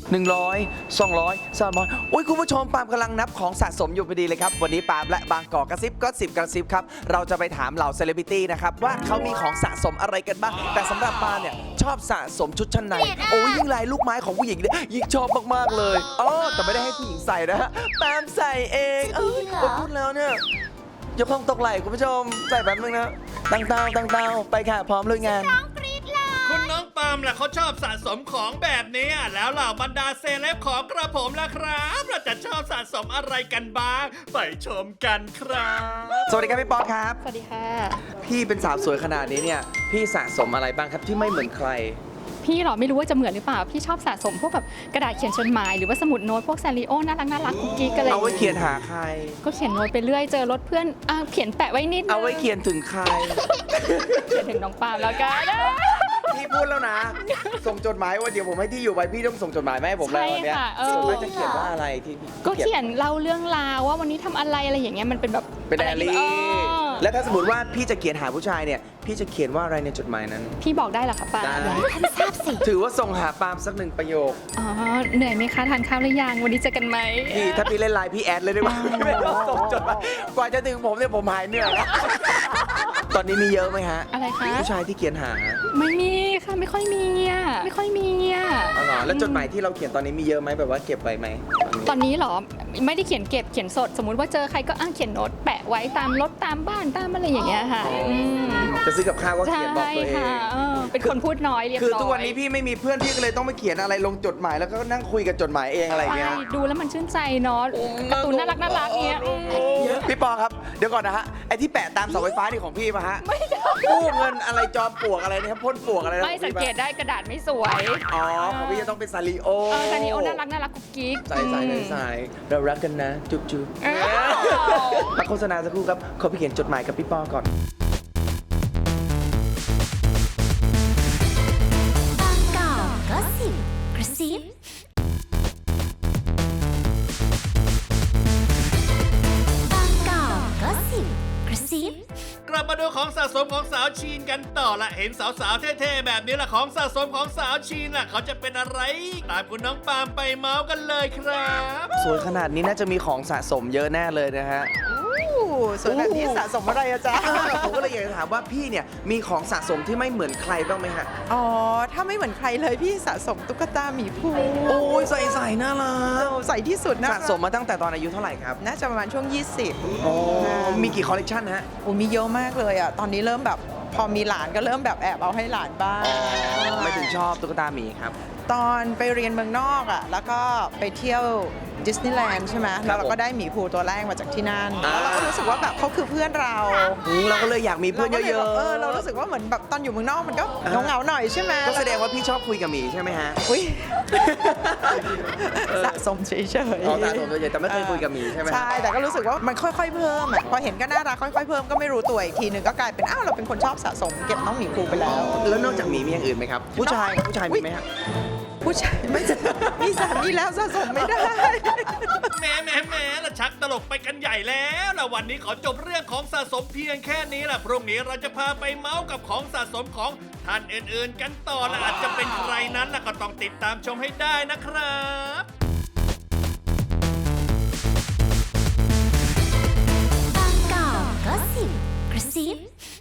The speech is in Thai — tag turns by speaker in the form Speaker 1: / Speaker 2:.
Speaker 1: 100 200 300อุ้ยคุณผู้ชมปาล์มกำลังนับของสะสมอยู่พอดีเลยครับวันนี้ปาล์มและบางกอกกระซิบก็10กระซิบครับเราจะไปถามเหล่าเซเลบริตี้นะครับว่าเขามีของสะสมอะไรกันบ้างแต่สำหรับปาล์มเนี่ยชอบสะสมชุดชั้นในโอ้ยยิ่งลายลูกไม้ของผู้หญิงเนี่ยยิ่งชอบมากๆเลยอ๋อแต่ไม่ได้ให้ผู้หญิงใส่นะฮะปาล์มใส่เองพูดแล้วเนี่ยยกห้องตกไหลคุณผู้ชมใส่แบบนึงนะตั้งเตาไปค่ะพร้อมลุยงาน
Speaker 2: คุณน้องปาล์มล่ะเขาชอบสะสมของแบบนี้แล้วเหล่าบรรดาเซเลบของกระผมล่ะครับเราจะชอบสะสมอะไรกันบ้างไปชมกันครับ
Speaker 1: สวัสดีครับพี่ป๊อกครับ
Speaker 3: สวัสดีค่ะ
Speaker 1: พี่เป็นสาวสวยขนาดนี้เนี่ยพี่สะสมอะไรบ้างครับที่ไม่เหมือนใคร
Speaker 3: พี่หรอไม่รู้ว่าจะเหมือนหรือเปล่า พี่ชอบสะสมพวกแบบกระดาษเขียนจดหมายหรือว่าสมุดโน้ตพวกซาริโอน่ารักกุ๊กกิ๊กอะไร
Speaker 1: เอาไว้เขียนหาใคร
Speaker 3: ก็เขียนโน้ตไปเรื่อยเจอรถเพื่อนเขียนแปะไว้นิดนึง
Speaker 1: เอาไว้เขียนถึงใคร
Speaker 3: เขียนถึงน้องปาล์มแล้วกัน
Speaker 1: พี่พูดแล้วนะ ส่งจดหมายว่าเดี๋ยวผมให้ที่อยู่ไปพี่ต้องส่งจดหมายมาให้ผมแล้ววันเนี้ยส่วนมากจะเขียนว่าอะไรที่พี่
Speaker 3: ก็เขียนเล่าเรื่องราวว่าวันนี้ทำอะไรอย่างเงี้ยมันเป็นแบบ
Speaker 1: เป็นไดอารี่
Speaker 3: เออ
Speaker 1: แล้วถ้าสมมติว่าพี่จะเขียนหาผู้ชายเนี่ยพี่จะเขียนว่าอะไรในจดหมายนั้น
Speaker 3: พี่บอกได้เหรอคะปาล์ม
Speaker 1: ได้
Speaker 3: ท่านทราบสิ
Speaker 1: ถือว่าส่งหาปาล์มสักหนึ่งประโยค
Speaker 3: อ๋อเหนื่อยไหมคะทานข้าวหรือยังวันนี้เจอกันไหม
Speaker 1: พี่ถ้าพี่เล่นไลน์พี่แอดเลยได้ไหมไม่ต้องส่งจดหมายกว่าจะถึงผมเนี่ยผมหายเหนื่อยแล้วตอนนี้มีเยอะไหมฮะ
Speaker 3: อะไรคะ
Speaker 1: ผู้ชายที่เขียนหา
Speaker 3: ไม่มีค่ะไม่ค่อยมีไม่ค่อยมี
Speaker 1: อ๋อเหรอแล้วจดหมายที่เราเขียนตอนนี้มีเยอะไหมแบบว่าเก็บไว้ไหม
Speaker 3: ตอนนี้เหรอไม่ได้เขียนเก็บเขียนสด สมมุติว่าเจอใครก็เขียนโน้ตแปะไว้ตามรถตามบ้านตามอะไรอย่างเงี้ยค่ะม
Speaker 1: จะซื้อกับข้าวก็
Speaker 3: ใช่
Speaker 1: เขียนบอกตัวเอง
Speaker 3: ค่ะเป็นคนพูดน้อยเรียบร้อย
Speaker 1: คือทุกวันนี้พี่ไม่มีเพื่อนพี่ก็เลยต้องไปเขียนอะไรลงจดหมายแล้วก็นั่งคุยกับจดหมายเองอะไรอย่างเงี้ย
Speaker 3: ใช่ดูแล้วมันชื่นใจเนาะการ์ตูนน่ารักเงี้ย
Speaker 1: พี่ปอครับเดี๋ยวก่อนนะฮะไอ้ที่แปะตามเสาไฟฟ้านี่ของพี่ปะฮะกู้เงินอะไรจอมปลวกอะไรนะครับพ่นปลวกอะไรนะ
Speaker 3: ไม่สังเกตได้กระดาษไม่สวย
Speaker 1: อ๋อของพี่จะต้องเป็นซาริโอ
Speaker 3: ซาริโอน่ารักกุ๊กกิ๊ก
Speaker 1: ใส่เรารักกันนะจุ๊บจุ๊บ
Speaker 3: เออ
Speaker 1: มาโฆษณาสักครู่ครับขอไปเขียนจดหมายกับพี่ปอก่อน
Speaker 4: บางกอกก็สิบกระซิบางกอกก็สิบกระซิบ
Speaker 2: กลับมาดูของสะสมของสาวชีนกันต่อละเห็นสาวๆเท่ๆแบบนี้ละของสะสมของสาวชีนล่ะเขาจะเป็นอะไรตามคุณน้องปาล์มไปเมาส์กันเลยครับ
Speaker 1: สวยขนาดนี้น่าจะมีของสะสมเยอะแน่เลยนะฮะ
Speaker 5: ส่วนแบบนี้สะสมอะไรอะจ๊ะ
Speaker 1: ผมก็เลยอยากจะถามว่าพี่เนี่ยมีของสะสมที่ไม่เหมือนใครบ้างไหมฮะ
Speaker 5: อ๋อ ถ้าไม่เหมือนใครเลยพี่สะสมตุ๊กตาหมีภู
Speaker 1: โอ้ยใส่น่ารัก
Speaker 5: ใส่ที่สุดนะ
Speaker 1: สะสมมาตั้งแต่ตอนอายุเท่าไหร่ครับ
Speaker 5: น่าจะประมาณช่วง 20
Speaker 1: โอ้มีกี่คอลเลกชันฮะ
Speaker 5: โอ้มีเยอะมากเลยอะตอนนี้เริ่มแบบพอมีหลานก็เริ่มแบบแอบเอาให้หลานบ้าง
Speaker 1: ไม่ถึงชอบตุ๊กตาหมีครับ
Speaker 5: ตอนไปเรียนเมืองนอกอะแล้วก็ไปเที่ยวดิสนีย์แลนด์ใช่ไหมแล้วเราก็ได้หมีภูตัวแรกมาจากที่นั่น
Speaker 1: อ่า
Speaker 5: แล้วเราก็รู้สึกว่าแบบเขาคือเพื่อนเรา
Speaker 1: เราก็เลยอยากมีเพื่อนเย
Speaker 5: ราก็ล
Speaker 1: อะ
Speaker 5: แบบเรารู้สึกว่าเหมือนแบบตอนอยู่เมืองนอกมันก็เหงาๆหน่อยใช่ไหม
Speaker 1: ก็แสดงว่าพี่ชอบคุยกับหมีใช่ไหมฮะ
Speaker 5: อุ้ย สะสมเฉยๆ
Speaker 1: อ๋อสะสมเฉยๆแต่ไม่เคยคุยกับหมีใช่ไหมฮะ
Speaker 5: ใช่ แต่ก็รู้สึกว่ามันค่อยๆเพิ่มอ่ะ พอเห็นก็น่ารักค่อยๆเพิ่มก็ไม่รู้ตัวอีกทีนึงก็กลายเป็นอ้าวเราเป็นคนชอบสะสมเก็บน้องหมีภูไปแล้ว
Speaker 1: แล้วนอกจากหมีมีอย่างอื่นไหมครับ ผู้ชายมีไหมฮะ
Speaker 5: ผู้ชายไม่มีสามีแล้วสะสมไม่ได้
Speaker 2: แหมละชักตลกไปกันใหญ่แล้วละวันนี้ขอจบเรื่องของสะสมเพียงแค่นี้ละพรุ่งนี้เราจะพาไปเมาส์กับของสะสมของท่านอื่นๆกันต่อละอาจจะเป็นใครนั้นละก็ต้องติดตามชมให้ได้นะครับ
Speaker 4: บางกอกก็สิบกระซิบ